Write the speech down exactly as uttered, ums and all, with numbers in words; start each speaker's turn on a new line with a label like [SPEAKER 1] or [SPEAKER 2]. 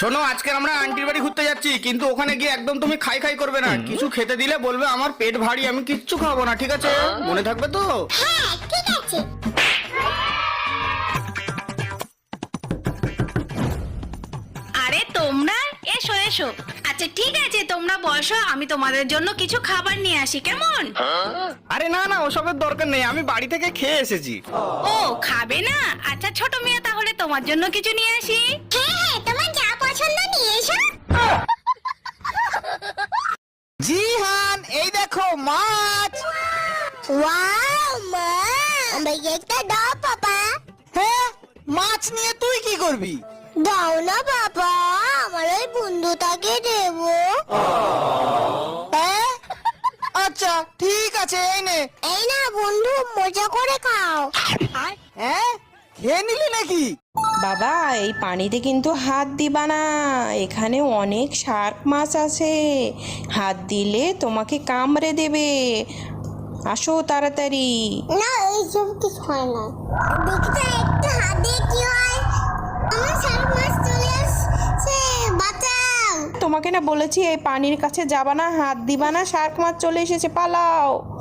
[SPEAKER 1] শোনো, আজকে আমরা আন্টির বাড়ি ঘুরতে যাচ্ছি, কিন্তু ওখানে গিয়ে একদম তুমি খাই খাই করবে না। কিছু খেতে দিলে বলবে আমার পেট ভারী, আমি কিচ্ছু খাবো না, ঠিক আছে? মনে থাকবে তো?
[SPEAKER 2] হ্যাঁ ঠিক আছে।
[SPEAKER 3] আরে তোমরা এসো এসো। আচ্ছা ঠিক আছে, তোমরা বসো, আমি তোমাদের জন্য কিছু খাবার নিয়ে আসি, কেমন?
[SPEAKER 1] আরে না না, ওসবের দরকার নেই, আমি বাড়ি থেকে খেয়ে এসেছি।
[SPEAKER 3] ও খাবে না? আচ্ছা ছোট মেয়ে, তাহলে তোমার জন্য কিছু নিয়ে আসি।
[SPEAKER 2] হ্যাঁ হ্যাঁ, তোমার যা পছন্দ নিয়ে এসো।
[SPEAKER 4] জিহান, এই দেখো মাছ।
[SPEAKER 2] ওয়াও মা, আমাকে একটা দাও বাবা।
[SPEAKER 4] হ্যাঁ, মাছ নিয়ে তুই কি করবি?
[SPEAKER 2] দাও না বাবা, আমার ওই বন্ধুটাকে দেবো।
[SPEAKER 4] হ্যাঁ আচ্ছা ঠিক আছে, এই নে।
[SPEAKER 2] এই না বন্ধু, মজা করে খাও।
[SPEAKER 4] হ্যাঁ, খেয়ে নিলি নাকি?
[SPEAKER 5] বাবা, এই পানিতে কিন্তু হাত দিবা না, এখানে অনেক শার্ক মাছ আছে, হাত দিলে তোমাকে কামড়ে দেবে। আসো তাড়াতাড়ি।
[SPEAKER 2] না এইসব কিছু হয় না, দেখতে একটু হাত দিয়ে কি হয়। আমার শার্ক মাছ চলে আসছে, বাঁচাও।
[SPEAKER 5] তোমাকে না বলেছি এই পানির কাছে যাবা না, হাত দিবা না, শার্ক মাছ চলে এসেছে, পালাও।